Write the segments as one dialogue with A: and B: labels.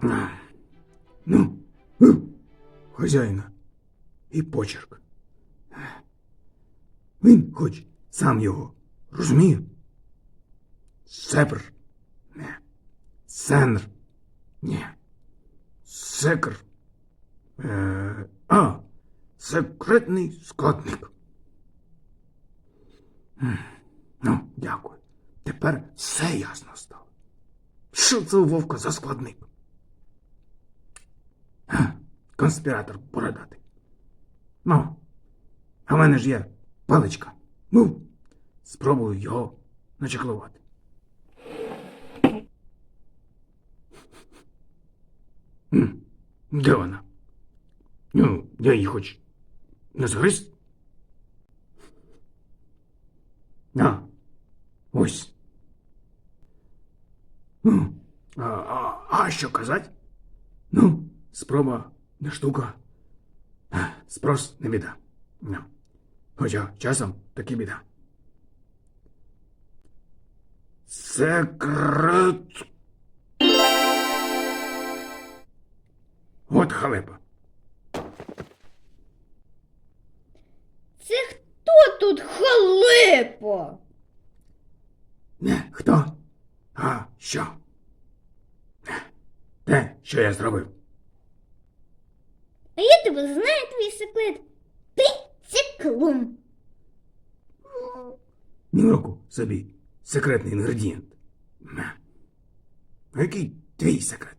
A: Ну, хазяїна. І почерк. Він хоч сам його розуміє? Сепр. Не. Сенр. Ні. Секр. Секретний складник. Ну, дякую. Тепер все ясно стало. Що це у Вовка за складник? Конспіратор бородатий. Ну, а в мене ж є паличка. Ну, спробую його начеклувати. Де вона? Ну, я її хоч не згриз? Ось. А що казать? Ну, спроба не штука. Спрос не біда. Хоча часом таки біда. Секрет. От халепа.
B: Це хто тут халепа?
A: Не хто, а що? Те, що я зробив.
B: А я тебе знаю, твій секрет. Ти циклун.
A: Ні в руку собі секретний інгредієнт. А який твій секрет?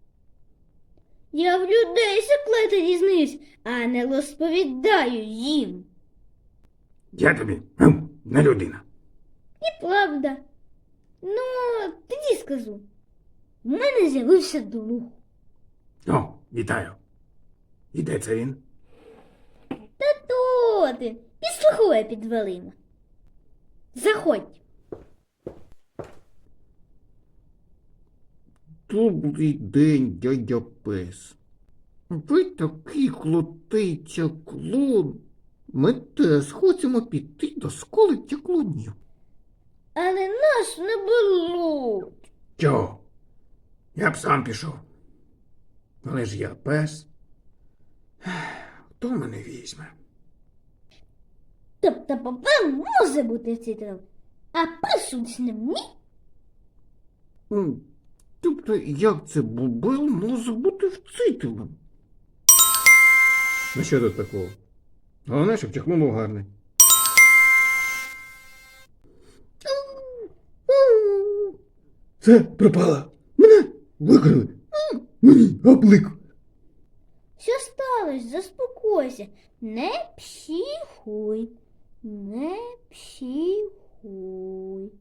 B: Я в людей секрети дізнаюсь, а не розповідаю їм.
A: Я тобі не людина.
B: І правда. Ну, тоді скажу. В мене з'явився друг.
A: О, вітаю. І де це він?
B: Та то ти, підслуховує під дверима. Заходь.
C: Добрий день, дядя Пес. Ви такий крутий чаклун. Ми теж хочемо піти до школи чаклунів.
B: Але нас не беруть.
A: Чого? Я б сам пішов. Але ж я пес. Хто мене візьме?
B: Тобто папа може бути вчителем, а пес учнем ні?
C: Тобто, як це Бубел може бути вчителем?
A: Ну що тут такого? Головне, щоб чехлун був гарний. Це пропало. Мене викрили. Мені облик.
B: Що сталося? Заспокойся. Не психуй. Не психуй.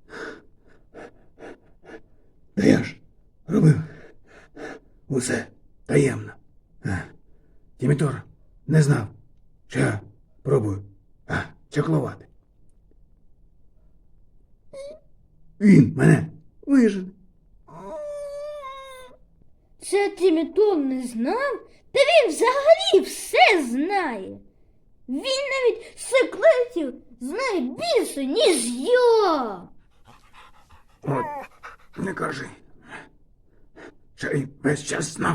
A: Та я ж робив усе таємно. Тімітор не знав, що я пробую чаклувати. Він мене вижене.
B: Це Тімітор не знав? Та він взагалі все знає. Він навіть секретів знає більше, ніж я.
A: От, не кажи. Що він весь час знав.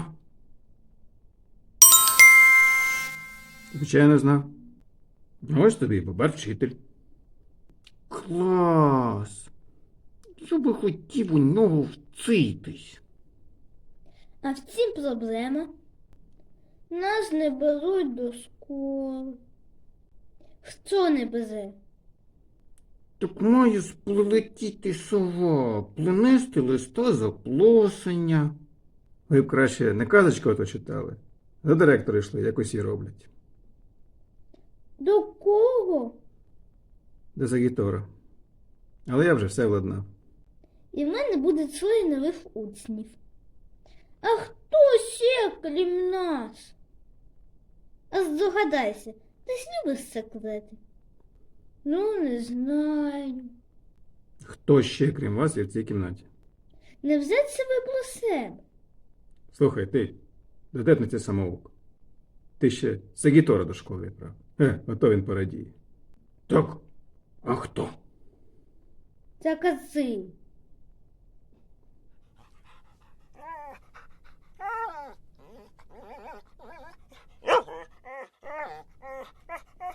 A: Звичайно, знав. Ось тобі баба вчитель.
C: Клас! Я би хотів у нього вчитись.
B: А в цім проблема. Нас не беруть до школи. Хто не бере?
C: Так має прилетіти сова, принести листа запросення.
A: Ви б краще не казочку ото читали. До директора йшли, як усі роблять.
B: До кого?
A: До Загітора. Але я вже все владнав.
B: І в мене буде троє нових учнів. А хто ще, крім нас? А здогадайся, ти ж любиш секрети? Ну, не знаю.
A: Хто ще, крім вас, є в цій кімнаті?
B: Не взять себе про себе.
A: Слухай, ти, дотепниця самоук. Ти ще Загітора до школи відправ. Ото він порадіє.
C: Так, а хто?
B: Та кази.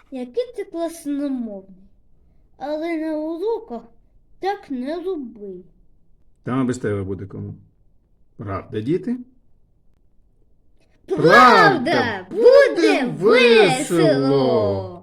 B: який ти класномовний. Але на уроках так не роби.
A: Там без тебе буде кому. Правда, діти?
B: Правда, буде весело!